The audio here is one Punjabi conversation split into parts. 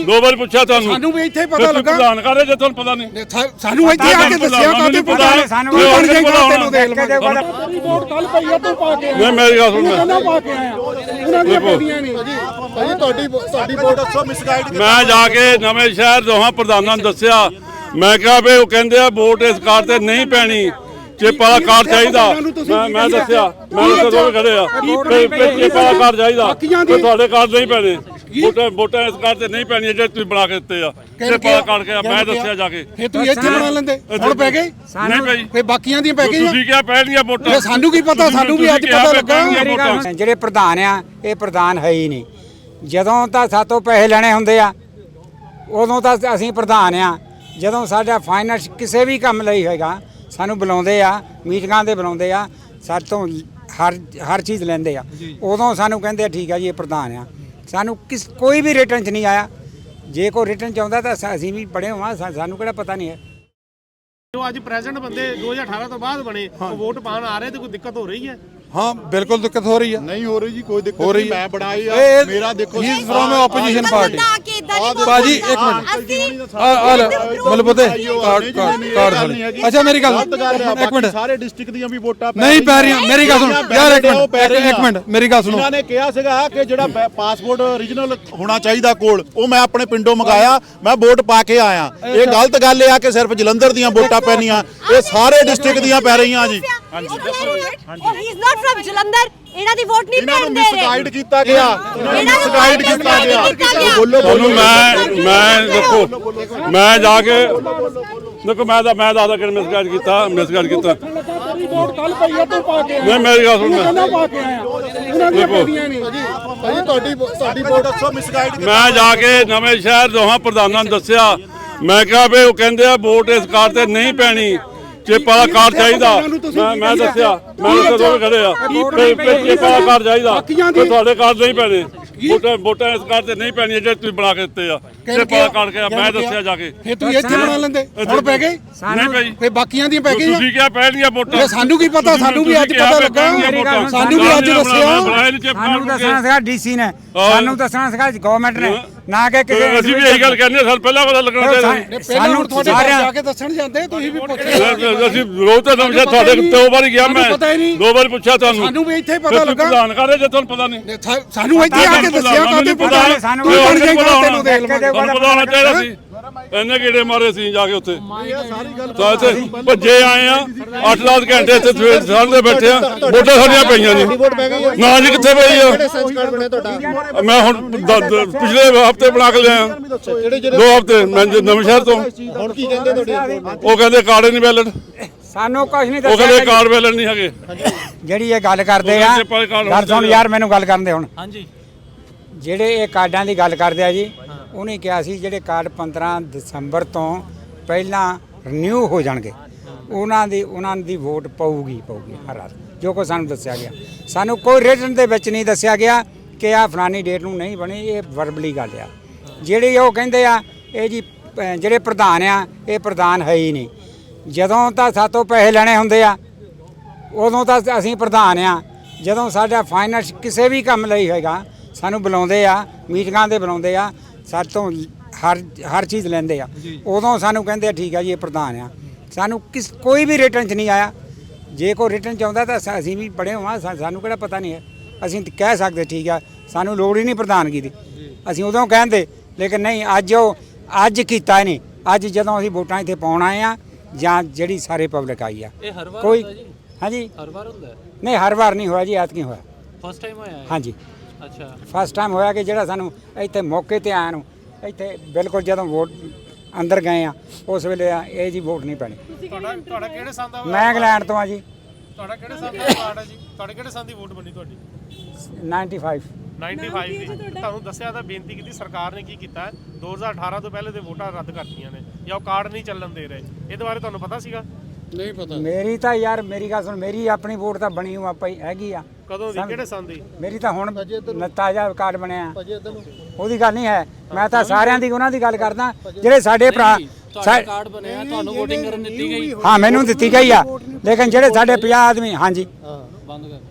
2 ਵਾਰ ਪੁੱਛਿਆ ਤੁਹਾਨੂੰ ਸਾਨੂੰ ਵੀ ਇੱਥੇ ਪਤਾ ਲੱਗਾ ਪ੍ਰਧਾਨ ਕਰੇ ਜੇ ਤੁਹਾਨੂੰ ਪਤਾ ਨਹੀਂ ਸਾਨੂੰ ਇੱਥੇ ਆ ਕੇ ਦੱਸਿਆ ਕਾਹਦੇ ਪਤਾ ਸਾਨੂੰ ਬਣ ਜਾਏਗਾ ਤੈਨੂੰ ਦੇਖ ਲਵਾਂਗੇ ਰਿਪੋਰਟ ਕੱਲ ਪਈ ਆ ਤੂੰ ਪਾ ਕੇ ਨਹੀਂ ਮੇਰੀ ਗੱਲ ਸੁਣ ਕਹਿੰਦਾ ਪਾ ਕੇ ਆਇਆ ਉਹਨਾਂ ਦੀਆਂ ਪਈਆਂ ਨਹੀਂ ਭਾਜੀ ਤੁਹਾਡੀ ਵੋਟ ਦੱਸੋ ਮਿਸਗਾਈਡ ਮੈਂ ਜਾ ਕੇ ਨਵੇਂ ਸ਼ਹਿਰ ਦੋਹਾਂ ਪ੍ਰਧਾਨਾਂ ਨੂੰ ਦੱਸਿਆ ਮੈਂ ਕਿਹਾ ਵੀ ਉਹ ਕਹਿੰਦੇ ਆ ਵੋਟ ਇਸ ਕਾਰ ਤੇ ਨਹੀਂ ਪੈਣੀ ਚਿੱਪ ਵਾਲਾ ਕਾਰ ਚਾਹੀਦਾ ਮੈਂ ਦੱਸਿਆ ਮੈਂ ਤਾਂ ਖੜੇ ਆ ਚਿੱਪ ਵਾਲਾ ਕਾਰ ਚਾਹੀਦਾ ਤੁਹਾਡੇ ਕਾਰ ਨਹੀਂ ਪੈਣੇ ਵੋਟਾਂ ਇਸ ਕਾਰ ਤੇ ਨਹੀਂ ਪੈਣੀਆਂ ਜਿਹੜੇ ਤੁਸੀਂ ਬਣਾ ਕੇ ਦਿੱਤੇ ਆ ਚਿੱਪ ਵਾਲਾ ਕਾਰ ਕੇ ਮੈਂ ਦੱਸਿਆ ਜਾ ਕੇ ਫੇ ਤੁਸੀਂ ਇੱਥੇ ਬਣਾ ਲੈਂਦੇ ਹੁਣ ਪੈ ਗਏ ਨਹੀਂ ਭਾਈ ਫੇ ਬਾਕੀਆਂ ਦੀਆਂ ਪੈ ਗਈਆਂ ਤੁਸੀਂ ਕਿਹਾ ਪੈਣੀਆਂ ਵੋਟਾਂ ਸਾਨੂੰ ਕੀ ਪਤਾ ਸਾਨੂੰ ਵੀ ਅੱਜ ਪਤਾ ਲੱਗਾ ਜਿਹੜੇ ਪ੍ਰਧਾਨ ਆ ਇਹ ਪ੍ਰਧਾਨ ਹੈ ਹੀ ਨਹੀਂ ਜਦੋਂ ਤਾਂ ਸਾਤੋਂ ਪੈਸੇ ਲੈਣੇ ਹੁੰਦੇ ਆ ਉਦੋਂ ਤਾਂ ਅਸੀਂ ਪ੍ਰਧਾਨ ਆ ਜਦੋਂ ਸਾਡਾ ਫਾਈਨੈਂਸ ਕਿਸੇ ਵੀ ਕੰਮ ਲਈ ਹੈਗਾ ਸਾਨੂੰ ਬੁਲਾਉਂਦੇ ਆ ਮੀਟਿੰਗਾਂ ਦੇ ਬੁਲਾਉਂਦੇ ਆ ਸਾਡੇ ਤੋਂ ਹਰ ਚੀਜ਼ ਲੈਂਦੇ ਆ ਉਦੋਂ ਸਾਨੂੰ ਕਹਿੰਦੇ ਆ ਠੀਕ ਆ ਜੀ ਇਹ ਪ੍ਰਧਾਨ ਆ ਸਾਨੂੰ ਕੋਈ ਵੀ ਰਿਟਰਨ 'ਚ ਨਹੀਂ ਆਇਆ ਜੇ ਕੋਈ ਰਿਟਰਨ 'ਚ ਆਉਂਦਾ ਤਾਂ ਅਸੀਂ ਵੀ ਪੜ੍ਹੇ ਹੋਵਾਂ ਸਾਨੂੰ ਕਿਹੜਾ ਪਤਾ ਨਹੀਂ ਹੈ ਜੋ ਅੱਜ ਪ੍ਰੈਜ਼ੈਂਟ ਬੰਦੇ 2018 ਤੋਂ ਬਾਅਦ ਬਣੇ ਉਹ ਵੋਟ ਪਾਣ ਆ ਰਹੇ ਤੇ ਕੋਈ ਦਿੱਕਤ ਹੋ ਰਹੀ ਹੈ ਹਾਂ ਬਿਲਕੁਲ ਦਿੱਕਤ ਹੋ ਰਹੀ ਹੈ ਨਹੀਂ ਹੋ ਰਹੀ ਜੀ ਕੋਈ ਦਿੱਕਤ ਨਹੀਂ ਮੈਂ ਬਣਾਈ ਆ ਮੇਰਾ ਦੇਖੋ he is firm opposition party ਬਾਜੀ ਇੱਕ ਮਿੰਟ ਆ ਮਤਲਬ ਪਤਾ ਕਾਰਡ ਅੱਛਾ ਮੇਰੀ ਗੱਲ ਇੱਕ ਮਿੰਟ ਸਾਰੇ ਡਿਸਟ੍ਰਿਕਟ ਦੀਆਂ ਵੀ ਵੋਟਾਂ ਨਹੀਂ ਪੈ ਰਹੀਆਂ ਮੇਰੀ ਗੱਲ ਸੁਣ ਯਾਰ ਇੱਕ ਮਿੰਟ ਮੇਰੀ ਗੱਲ ਸੁਣੋ ਇਹਨਾਂ ਨੇ ਕਿਹਾ ਸੀਗਾ ਕਿ ਜਿਹੜਾ ਪਾਸਪੋਰਟ ਓਰੀਜਨਲ ਹੋਣਾ ਚਾਹੀਦਾ ਕੋਲ ਉਹ ਮੈਂ ਆਪਣੇ ਪਿੰਡੋਂ ਮੰਗਾਇਆ ਮੈਂ ਵੋਟ ਪਾ ਕੇ ਆਇਆ ਇਹ ਗਲਤ ਗੱਲ ਇਹ ਆ ਕਿ ਸਿਰਫ ਜਲੰਧਰ ਦੀਆਂ ਵੋਟਾਂ ਪੈਣੀਆਂ ਇਹ ਸਾਰੇ ਡਿਸਟ੍ਰਿਕਟ ਦੀਆਂ ਪੈ ਰਹੀਆਂ ਜੀ ਹਾਂਜੀ he is not firm Jalandhar ਇਹਨਾਂ ਦੀ ਵੋਟ ਨਹੀਂ ਪੈਣ ਦੇ ਰਹੇ ਮਿਸਗਾਈਡ ਕੀਤਾ ਗਿਆ ਮਿਸਗਾਈਡ ਕੀਤਾ ਗਿਆ ਬੋਲੋ ਤੁਹਾਨੂੰ ਮੈਂ ਦੇਖੋ ਮੈਂ ਜਾ ਕੇ ਦੇਖੋ ਮੈਂ ਦੱਸਦਾ ਕਿ ਮਿਸਗਾਈਡ ਕੀਤਾ ਰਿਪੋਰਟ ਕੱਲ ਪਈ ਆ ਤੂੰ ਪਾ ਕੇ ਨਹੀਂ ਮੇਰੀ ਗੱਲ ਸੁਣ ਕਹਿੰਦਾ ਪਾ ਕੇ ਆਇਆ ਉਹਨਾਂ ਦੀਆਂ ਪਈਆਂ ਨਹੀਂ ਭਾਜੀ ਤੁਹਾਡੀ ਵੋਟ ਦੱਸੋ ਮਿਸਗਾਈਡ ਮੈਂ ਜਾ ਕੇ ਨਵੇਂ ਸ਼ਹਿਰ ਦੋਹਾਂ ਪ੍ਰਧਾਨਾਂ ਨੂੰ ਦੱਸਿਆ ਮੈਂ ਕਿਹਾ ਵੀ ਉਹ ਕਹਿੰਦੇ ਆ ਵੋਟ ਇਸ ਕਾਰ ਤੇ ਨਹੀਂ ਪੈਣੀ ਚਿੱਪ ਵਾਲਾ ਕਾਰ ਚਾਹੀਦਾ ਮੈਂ ਦੱਸਿਆ ਮੈਂ ਤਾਂ ਖੜੇ ਆ ਚਿੱਪ ਵਾਲਾ ਕਾਰ ਚਾਹੀਦਾ ਤੁਹਾਡੇ ਕਾਰ ਨਹੀਂ ਪੈਣੇ ਵੋਟਾਂ ਇਸ ਕਾਰ ਤੇ ਨਹੀਂ ਪੈਣੀਆਂ ਜਿਹੜੇ ਤੁਸੀਂ ਬਣਾ ਕੇ ਦਿੱਤੇ ਆ ਚਿੱਪ ਵਾਲਾ ਕਾਰ ਕੇ ਮੈਂ ਦੱਸਿਆ ਜਾ ਕੇ ਫੇ ਤੁਸੀਂ ਇੱਥੇ ਬਣਾ ਲੈਂਦੇ ਹੁਣ ਪੈ ਗਏ ਨਹੀਂ ਭਾਈ ਫੇ ਬਾਕੀਆਂ ਦੀਆਂ ਪੈ ਗਈਆਂ ਤੁਸੀਂ ਕਿਹਾ ਪੈਣੀਆਂ ਵੋਟਾਂ ਸਾਨੂੰ ਕੀ ਪਤਾ ਸਾਨੂੰ ਵੀ ਅੱਜ ਪਤਾ ਲੱਗਾ ਸਾਨੂੰ ਵੀ ਅੱਜ ਦੱਸਿਆ ਸਾਨੂੰ ਦੱਸਣਾ ਸੀਗਾ ਡੀਸੀ ਨੇ ਸਾਨੂੰ ਦੱਸਣਾ ਸੀਗਾ ਗਵਰਨਮੈਂਟ ਨੇ ਨਾ ਕਿ ਕਿਸੇ ਅਸੀਂ ਵੀ ਇਹੀ ਗੱਲ ਕਹਿੰਦੇ ਸਾਨੂੰ ਪਹਿਲਾਂ ਪਤਾ ਲੱਗਣਾ ਚਾਹੀਦਾ ਸਾਨੂੰ ਤੁਹਾਡੇ ਜਾ ਕੇ ਦੱਸਣ ਜਾਂਦੇ ਤੁਸੀਂ ਵੀ ਪੁੱਛੋ ਅਸੀਂ ਰੋਜ਼ ਤਾਂ ਸਮਝਿਆ ਤੁਹਾਡੇ 2 ਵਾਰ ਗਿਆ ਮੈਂ 2 ਵਾਰ ਪੁੱਛਿਆ ਤੁਹਾਨੂੰ ਸਾਨੂੰ ਵੀ ਇੱਥੇ ਪਤਾ ਲੱਗਾ ਪ੍ਰਧਾਨ ਕਰੇ ਜੇ ਤੁਹਾਨੂੰ ਪਤਾ ਨਹੀਂ ਸਾਨੂੰ ਇੱਥੇ ਆ ਕੇ ਦੱਸਿਆ ਕਾਹਦੇ ਪਤਾ ਸਾਨੂੰ ਬਣ ਜਾਏਗਾ ਤੈਨੂੰ ਦੇਖ ਲਵਾਂਗੇ ਤੁਹਾਨੂੰ ਪਤਾ ਹੋਣਾ ਚਾਹੀਦਾ ਸੀ ਇੰਨੇ ਕੀੜੇ ਮਾਰੇ ਸੀ ਜਾ ਕੇ ਉੱਥੇ ਤਾਂ ਇੱਥੇ ਭੱਜੇ ਆਏ ਆ 8-10 ਘੰਟੇ ਇੱਥੇ ਸਵੇਰ ਸਾਲ ਦੇ ਬੈਠੇ ਆ ਵੋਟਾਂ ਸਾਡੀਆਂ ਪਈਆਂ ਨੇ ਨਾ ਜੀ ਕਿੱਥੇ ਪਈ ਆ ਮੈਂ ਹੁਣ ਪਿਛਲੇ ਹਫਤੇ ਬਣਾ ਕੇ ਲਿਆ 2 ਹਫਤੇ ਮੈਂ ਨਵੇਂ ਸ਼ਹਿਰ ਤੋਂ ਹੁਣ ਕੀ ਕਹਿੰਦੇ ਤੁਹਾਡੇ ਉਹ ਕਹਿੰਦੇ ਕਾਰਡ ਨਹੀਂ ਵੈਲਿਡ ਸਾਨੂੰ ਕੁਝ ਨਹੀਂ ਉਹ ਕਹਿੰਦੇ ਦੱਸਿਆ ਕਾਰਡ ਵੈਲਿਡ ਨਹੀਂ ਹੈਗੇ ਜਿਹੜੀ ਇਹ ਗੱਲ ਕਰਦੇ ਆ ਗੱਲ ਸੁਣ ਯਾਰ ਮੈਨੂੰ ਗੱਲ ਕਰਨ ਦੇ ਹੁਣ ਹਾਂਜੀ ਜਿਹੜੇ ਇਹ ਕਾਰਡਾਂ ਦੀ ਗੱਲ ਕਰਦੇ ਆ ਜੀ ਉਹਨੇ ਕਿਹਾ ਸੀ ਜਿਹੜੇ ਕਾਰਡ 15 ਦਸੰਬਰ ਤੋਂ ਪਹਿਲਾਂ ਰਿਨਿਊ ਹੋ ਜਾਣਗੇ ਉਹਨਾਂ ਦੀ ਵੋਟ ਪਊਗੀ ਹਰ ਰਾਤ ਜੋ ਕੋ ਸਾਨੂੰ ਦੱਸਿਆ ਗਿਆ ਸਾਨੂੰ ਕੋਈ ਰਿਟਨ ਦੇ ਵਿੱਚ ਨਹੀਂ ਦੱਸਿਆ ਗਿਆ ਕਿ ਆ ਫਲਾਨੀ ਡੇਟ ਨੂੰ ਨਹੀਂ ਬਣੀ ਇਹ ਵਰਬਲੀ ਗੱਲ ਆ ਜਿਹੜੀ ਉਹ ਕਹਿੰਦੇ ਆ ਇਹ ਜੀ ਜਿਹੜੇ ਪ੍ਰਧਾਨ ਆ ਇਹ ਪ੍ਰਧਾਨ ਹੈ ਹੀ ਨਹੀਂ ਜਦੋਂ ਤਾਂ ਸਾਤੋਂ ਪੈਸੇ ਲੈਣੇ ਹੁੰਦੇ ਆ ਉਦੋਂ ਤਾਂ ਅਸੀਂ ਪ੍ਰਧਾਨ ਆ ਜਦੋਂ ਸਾਡਾ ਫਾਈਨੈਂਸ ਕਿਸੇ ਵੀ ਕੰਮ ਲਈ ਹੈਗਾ ਸਾਨੂੰ ਬੁਲਾਉਂਦੇ ਆ ਮੀਟਿੰਗਾਂ ਦੇ ਬੁਲਾਉਂਦੇ ਆ ਸਾਡੇ ਤੋਂ ਹਰ ਚੀਜ਼ ਲੈਂਦੇ ਆ ਉਦੋਂ ਸਾਨੂੰ ਕਹਿੰਦੇ ਆ ਠੀਕ ਆ ਜੀ ਇਹ ਪ੍ਰਧਾਨ ਆ ਸਾਨੂੰ ਕੋਈ ਵੀ ਰਿਟਰਨ 'ਚ ਨਹੀਂ ਆਇਆ ਜੇ ਕੋਈ ਰਿਟਰਨ 'ਚ ਆਉਂਦਾ ਤਾਂ ਅਸੀਂ ਵੀ ਪੜ੍ਹੇ ਹੋਵਾਂ ਸਾਨੂੰ ਕਿਹੜਾ ਪਤਾ ਨਹੀਂ ਹੈ ਅਸੀਂ ਕਹਿ ਸਕਦੇ ਠੀਕ ਆ ਸਾਨੂੰ ਲੋੜ ਹੀ ਨਹੀਂ ਪ੍ਰਧਾਨਗੀ ਦੀ ਅਸੀਂ ਉਦੋਂ ਕਹਿੰਦੇ ਲੇਕਿਨ ਨਹੀਂ ਅੱਜ ਕੀਤਾ ਨਹੀਂ ਅੱਜ ਜਦੋਂ ਅਸੀਂ ਵੋਟਾਂ ਇੱਥੇ ਪਾਉਣ ਆਏ ਆ ਜਾਂ ਜਿਹੜੀ ਸਾਰੇ ਪਬਲਿਕ ਆਈ ਆ ਕੋਈ ਹਾਂਜੀ ਹਰ ਵਾਰ ਹੁੰਦਾ ਨਹੀਂ ਹਰ ਵਾਰ ਨਹੀਂ ਹੋਇਆ ਜੀ ਐਤਕੀ ਹੋਇਆ ਫਸਟ ਟਾਈਮ ਹੋਇਆ ਹਾਂਜੀ ਅੱਛਾ ਫਸਟ ਟਾਈਮ ਹੋਇਆ ਕਿ ਜਿਹੜਾ ਸਾਨੂੰ ਇੱਥੇ ਮੌਕੇ ਤੇ ਆਇਆ ਨੂੰ ਇੱਥੇ ਬਿਲਕੁਲ ਜਦੋਂ ਵੋਟ ਅੰਦਰ ਗਏ ਆ ਉਸ ਵੇਲੇ ਇਹ ਜੀ ਵੋਟ ਨਹੀਂ ਪੈਣੀ ਤੁਹਾਡਾ ਕਿਹੜੇ ਸੰਨ ਦਾ ਮੈਂ ਇੰਗਲੈਂਡ ਤੋਂ ਆ ਜੀ ਤੁਹਾਡਾ ਕਿਹੜੇ ਸੰਨ ਦਾ ਕਾਰਡ ਹੈ ਜੀ ਤੁਹਾਡੇ ਕਿਹੜੇ ਸੰਨ ਦੀ ਵੋਟ ਬਣੀ ਤੁਹਾਡੀ 95 ਦੀ ਤੁਹਾਨੂੰ ਦੱਸਿਆ ਤਾਂ ਬੇਨਤੀ ਕੀਤੀ ਸਰਕਾਰ ਨੇ ਕੀ ਕੀਤਾ 2018 ਤੋਂ ਪਹਿਲੇ ਦੇ ਵੋਟਾਂ ਰੱਦ ਕਰਤੀਆਂ ਨੇ ਜਾਂ ਉਹ ਕਾਰਡ ਨਹੀਂ ਚੱਲਣ ਦੇ ਰਹੇ ਇਹਦੇ ਬਾਰੇ ਤੁਹਾਨੂੰ ਪਤਾ ਸੀਗਾ ਨਹੀਂ ਪਤਾ ਮੇਰੀ ਤਾਂ ਯਾਰ ਮੇਰੀ ਗੱਲ ਸੁਣ ਮੇਰੀ ਆਪਣੀ ਵੋਟ ਤਾਂ ਬਣੀ ਹੋਆ ਪਈ ਹੈਗੀ ਆ ਕਦੋਂ ਦੀ ਕਿਹੜੇ ਸੰਨ ਦੀ ਮੇਰੀ ਤਾਂ ਹੁਣ ਤਾਜ਼ਾ ਕਾਰਡ ਬਣਿਆ ਉਹਦੀ ਗੱਲ ਨਹੀਂ ਹੈ ਮੈਂ ਤਾਂ ਸਾਰਿਆਂ ਦੀ ਉਹਨਾਂ ਦੀ ਗੱਲ ਕਰਦਾ ਜਿਹੜੇ ਸਾਡੇ ਭਰਾ ਕਾਰਡ ਬਣਿਆ ਤੁਹਾਨੂੰ ਵੋਟਿੰਗ ਕਰਨ ਦਿੱਤੀ ਗਈ ਹਾਂ ਮੈਨੂੰ ਦਿੱਤੀ ਗਈ ਆ ਲੇਕਿਨ ਜਿਹੜੇ ਸਾਡੇ 50 ਆਦਮੀ ਹਾਂਜੀ ਬੰਦ ਕਰ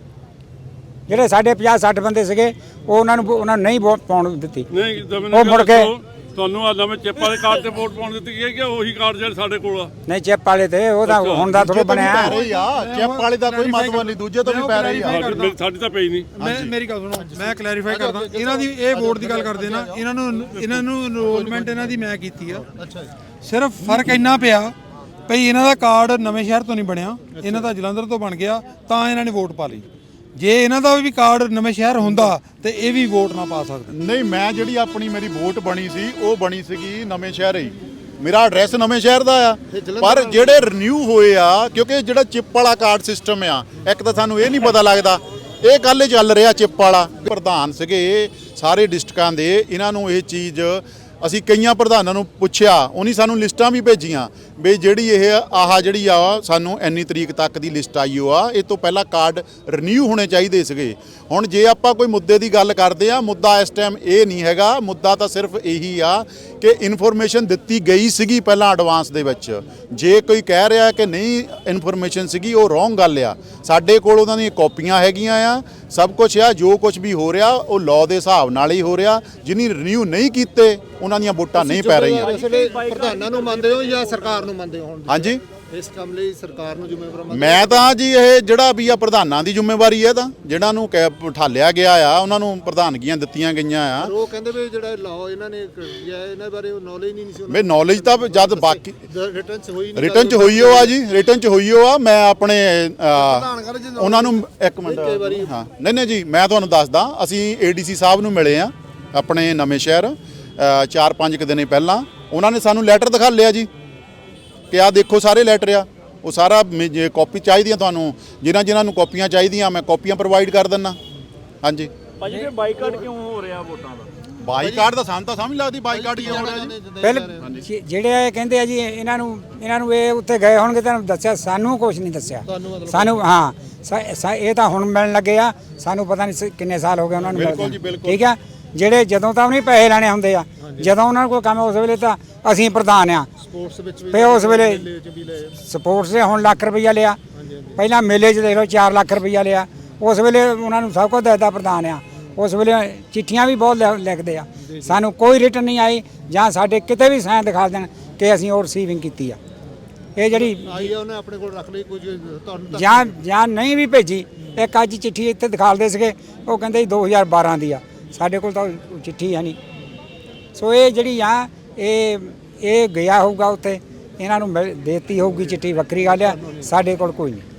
ਜਿਹੜੇ ਸਾਡੇ 50-60 ਬੰਦੇ ਸੀਗੇ ਉਹ ਉਹਨਾਂ ਨੂੰ ਨਹੀਂ ਵੋਟ ਪਾਉਣ ਦਿੱਤੀ ਨਹੀਂ ਉਹ ਮੁੜ ਕੇ ਤੁਹਾਨੂੰ ਆ ਨਵੇਂ ਚਿੱਪ ਵਾਲੇ ਕਾਰਡ ਤੇ ਵੋਟ ਪਾਉਣ ਦਿੱਤੀ ਗਈ ਹੈ ਕਿ ਉਹੀ ਕਾਰਡ ਜਿਹੜੇ ਸਾਡੇ ਕੋਲ ਆ? ਨਹੀਂ ਚਿੱਪ ਵਾਲੇ ਤੇ ਉਹਦਾ ਹੁਣ ਦਾ ਥੋੜਾ ਬਣਿਆ ਪੈ ਰਹੀ ਆ ਚਿੱਪ ਵਾਲੇ ਦਾ ਕੋਈ ਮਤਲਬ ਨਹੀਂ, ਦੂਜੇ ਤੋਂ ਵੀ ਪੈ ਰਹੀ ਆ। ਸਾਡੀ ਤਾਂ ਪਈ ਨਹੀਂ। ਮੇਰੀ ਗੱਲ ਸੁਣੋ, ਮੈਂ ਕਲੈਰੀਫਾਈ ਕਰਦਾ। ਇਹਨਾਂ ਦੀ ਇਹ ਵੋਟ ਦੀ ਗੱਲ ਕਰਦੇ ਨਾ, ਇਹਨਾਂ ਨੂੰ ਇਨਰੋਲਮੈਂਟ ਇਹਨਾਂ ਦੀ ਮੈਂ ਕੀਤੀ ਆ। ਸਿਰਫ ਫਰਕ ਇੰਨਾ ਪਿਆ ਭਈ ਇਹਨਾਂ ਦਾ ਕਾਰਡ ਨਵੇਂ ਸ਼ਹਿਰ ਤੋਂ ਨਹੀਂ ਬਣਿਆ, ਇਹਨਾਂ ਦਾ ਜਲੰਧਰ ਤੋਂ ਬਣ ਗਿਆ, ਤਾਂ ਇਹਨਾਂ ਨੇ ਵੋਟ ਪਾ ਲਈ। ਜੇ ਇਹਨਾਂ ਦਾ ਵੀ ਕਾਰਡ ਨਵੇਂ ਸ਼ਹਿਰ ਹੁੰਦਾ ਤੇ ਇਹ ਵੀ ਵੋਟ ਨਾ ਪਾ ਸਕਦੇ। ਨਹੀਂ, ਮੈਂ ਜਿਹੜੀ ਮੇਰੀ ਵੋਟ ਬਣੀ ਸੀ ਉਹ ਬਣੀ ਸੀਗੀ ਨਵੇਂ ਸ਼ਹਿਰ ਹੀ, ਮੇਰਾ ਐਡਰੈਸ ਨਵੇਂ ਸ਼ਹਿਰ ਦਾ ਆ। ਪਰ ਜਿਹੜੇ ਰੀਨਿਊ ਹੋਏ ਆ, ਕਿਉਂਕਿ ਜਿਹੜਾ ਚਿੱਪ ਵਾਲਾ ਕਾਰਡ ਸਿਸਟਮ ਆ, ਇੱਕ ਤਾਂ ਸਾਨੂੰ ਇਹ ਨਹੀਂ ਪਤਾ ਲੱਗਦਾ, ਇਹ ਕੱਲ ਹੀ ਚੱਲ ਰਿਹਾ ਚਿੱਪ ਵਾਲਾ। ਪ੍ਰਧਾਨ ਸੀਗੇ ਸਾਰੇ ਡਿਸਟ੍ਰਿਕਾਂ ਦੇ, ਇਹਨਾਂ ਨੂੰ ਇਹ ਚੀਜ਼ ਅਸੀਂ ਕਈਆਂ ਪ੍ਰਧਾਨਾਂ ਨੂੰ ਪੁੱਛਿਆ, ਉਹਨੀ ਸਾਨੂੰ ਲਿਸਟਾਂ ਵੀ ਭੇਜੀਆਂ ਵੀ ਜਿਹੜੀ ਜਿਹੜੀ ਆ ਸਾਨੂੰ ਇੰਨੀ ਤਰੀਕ ਤੱਕ ਦੀ ਲਿਸਟ ਆਈ ਹੋ ਆ, ਇਹ ਤੋਂ ਪਹਿਲਾਂ ਕਾਰਡ ਰੀਨਿਊ ਹੋਣੇ ਚਾਹੀਦੇ ਸੀਗੇ। ਹੁਣ ਜੇ ਆਪਾਂ ਕੋਈ ਮੁੱਦੇ ਦੀ ਗੱਲ ਕਰਦੇ ਆ, ਮੁੱਦਾ ਇਸ ਟਾਈਮ ਇਹ ਨਹੀਂ ਹੈਗਾ, ਮੁੱਦਾ ਤਾਂ ਸਿਰਫ ਇਹੀ ਆ ਕਿ ਇਨਫੋਰਮੇਸ਼ਨ ਦਿੱਤੀ ਗਈ ਸੀਗੀ ਪਹਿਲਾਂ ਐਡਵਾਂਸ ਦੇ ਵਿੱਚ। ਜੇ ਕੋਈ ਕਹਿ ਰਿਹਾ ਕਿ ਨਹੀਂ ਇਨਫੋਰਮੇਸ਼ਨ ਸੀਗੀ, ਉਹ ਰੋਂਗ ਗੱਲ ਆ। ਸਾਡੇ ਕੋਲ ਉਹਨਾਂ ਦੀਆਂ ਕਾਪੀਆਂ ਹੈਗੀਆਂ ਆ, ਸਭ ਕੁਝ ਆ। ਜੋ ਕੁਝ ਵੀ ਹੋ ਰਿਹਾ ਉਹ ਲਾਅ ਦੇ ਹਿਸਾਬ ਨਾਲ ਹੀ ਹੋ ਰਿਹਾ। ਜਿਹਨੀ ਰੀਨਿਊ ਨਹੀਂ ਕੀਤੇ ਉਹਨਾਂ ਦੀਆਂ ਵੋਟਾਂ ਨਹੀਂ ਪੈ ਰਹੀਆਂ। ਪ੍ਰਧਾਨਾਂ ਨੂੰ ਮੰਨਦੇ ਹੋ ਜਾਂ ਸਰਕਾਰ ਨੂੰ ਮੰਨਦੇ ਹੋ? ਹਾਂਜੀ, ਇਸ ਕੰਮ ਲਈ ਸਰਕਾਰ ਨੂੰ ਜ਼ਿੰਮੇਵਾਰ ਮੰਨਦੇ? ਮੈਂ ਤਾਂ ਜੀ ਇਹ ਜਿਹੜਾ ਵੀ ਆ ਪ੍ਰਧਾਨਾਂ ਦੀ ਜ਼ਿੰਮੇਵਾਰੀ ਹੈ, ਤਾਂ ਜਿਹਨਾਂ ਨੂੰ ਠਾਲਿਆ ਗਿਆ ਆ ਉਹਨਾਂ ਨੂੰ ਪ੍ਰਧਾਨਗੀਆਂ ਦਿੱਤੀਆਂ ਗਈਆਂ ਆ। ਉਹ ਕਹਿੰਦੇ ਵੀ ਜਿਹੜਾ ਲਾਅ ਇਹਨਾਂ ਨੇ ਕੀਤਾ ਇਹਨਾਂ ਬਾਰੇ ਨੌਲੇਜ ਨਹੀਂ ਸੀ। ਮੈਂ ਨੌਲੇਜ ਤਾਂ ਜਦ ਬਾਕੀ ਰਿਟਰਨ ਚ ਹੋਈ ਰਿਟਰਨ ਚ ਹੋਈ ਹੋ ਆ ਜੀ, ਰਿਟਰਨ ਚ ਹੋਈ ਹੋ ਆ। ਮੈਂ ਆਪਣੇ ਉਹਨਾਂ ਨੂੰ ਇੱਕ ਮਿੰਟ, ਹਾਂ ਨਹੀਂ ਜੀ, ਮੈਂ ਤੁਹਾਨੂੰ ਦੱਸਦਾ, ਅਸੀਂ ADC ਸਾਹਿਬ ਨੂੰ ਮਿਲੇ ਆ ਆਪਣੇ ਨਵੇਂ ਸ਼ਹਿਰ 4-5 ਦਿਨ ਪਹਿਲਾਂ। ਉਹਨਾਂ ਨੇ ਸਾਨੂੰ ਲੈਟਰ ਦਿਖਾ ਲਿਆ ਜੀ ਕਿ ਆਹ ਦੇਖੋ ਸਾਰੇ ਲੈਟਰ ਆ, ਉਹ ਸਾਰਾ ਕਾਪੀ ਚਾਹੀਦੀਆਂ ਤੁਹਾਨੂੰ, ਜਿਨ੍ਹਾਂ ਨੂੰ ਕਾਪੀਆਂ ਚਾਹੀਦੀਆਂ ਮੈਂ ਕਾਪੀਆਂ ਪ੍ਰੋਵਾਈਡ ਕਰ ਦਿੰਦਾ। ਹਾਂਜੀ ਭਾਜੀ ਫਿਰ ਬਾਈਕਾਟ ਕਿਉਂ ਹੋ ਰਿਹਾ ਵੋਟਾਂ ਦਾ? ਬਾਈਕਾਟ ਦਾ ਸਾਨੂੰ ਤਾਂ ਸਮਝ ਲੱਗਦੀ ਬਾਈਕਾਟ ਹੀ ਹੋ ਰਿਹਾ ਜੀ। ਪਹਿਲੇ ਜਿਹੜੇ ਕਹਿੰਦੇ ਆ ਜੀ ਇਹਨਾਂ ਨੂੰ ਇਹ ਉੱਥੇ ਗਏ ਹੋਣਗੇ, ਤੁਹਾਨੂੰ ਦੱਸਿਆ, ਸਾਨੂੰ ਕੁਝ ਨਹੀਂ ਦੱਸਿਆ ਸਾਨੂੰ। ਹਾਂ ਇਹ ਤਾਂ ਹੁਣ ਮਿਲਣ ਲੱਗੇ ਆ, ਸਾਨੂੰ ਪਤਾ ਨਹੀਂ ਕਿੰਨੇ ਸਾਲ ਹੋ ਗਏ ਉਹਨਾਂ ਨੂੰ ਮਿਲਦੇ। ਠੀਕ ਆ, ਜਿਹੜੇ ਜਦੋਂ ਤਾਂ ਉਹਨੇ ਪੈਸੇ ਲੈਣੇ ਹੁੰਦੇ ਆ, ਜਦੋਂ ਉਹਨਾਂ ਕੋਲ ਕੰਮ ਉਸ ਵੇਲੇ ਤਾਂ ਅਸੀਂ ਪ੍ਰਧਾਨ ਆ ਸਪੋਰਟਸ ਵਿੱਚ ਵੀ, ਤੇ ਉਸ ਵੇਲੇ ਸਪੋਰਟਸ ਦੇ ਹੁਣ ਲੱਖ ਰੁਪਈਆ ਲਿਆ, ਪਹਿਲਾਂ ਮੇਲੇ 'ਚ ਦੇਖ ਲਓ 4 ਲੱਖ ਰੁਪਈਆ ਲਿਆ। ਉਸ ਵੇਲੇ ਉਹਨਾਂ ਨੂੰ ਸਭ ਕੁਝ ਦੱਸਦਾ ਪ੍ਰਧਾਨ ਆ। ਉਸ ਵੇਲੇ ਚਿੱਠੀਆਂ ਵੀ ਬਹੁਤ ਲਿਖਦੇ ਆ, ਸਾਨੂੰ ਕੋਈ ਰਿਟਰਨ ਨਹੀਂ ਆਈ ਜਾਂ ਸਾਡੇ ਕਿਤੇ ਵੀ ਸਾਈਨ ਦਿਖਾ ਦੇਣ ਕਿ ਅਸੀਂ ਉਹ ਰਿਸੀਵਿੰਗ ਕੀਤੀ ਆ। ਇਹ ਜਿਹੜੀ ਆਈ ਆ ਉਹਨੇ ਆਪਣੇ ਕੋਲ ਰੱਖ ਲਈ ਕੁਝ ਤੁਹਾਨੂੰ ਜਾਂ ਨਹੀਂ ਵੀ ਭੇਜੀ। ਇੱਕ ਅੱਜ ਚਿੱਠੀ ਇੱਥੇ ਦਿਖਾਲਦੇ ਸੀਗੇ, ਉਹ ਕਹਿੰਦੇ 2012 ਦੀ ਆ, ਸਾਡੇ ਕੋਲ ਤਾਂ ਚਿੱਠੀ ਹੈ ਨਹੀਂ। ਸੋ ਇਹ ਜਿਹੜੀ ਆ ਇਹ ਗਿਆ ਹੋਊਗਾ ਉੱਥੇ, ਇਹਨਾਂ ਨੂੰ ਦੇਤੀ ਹੋਊਗੀ ਚਿੱਠੀ, ਵੱਖਰੀ ਗੱਲ ਆ। ਸਾਡੇ ਕੋਲ ਕੋਈ ਨਹੀਂ।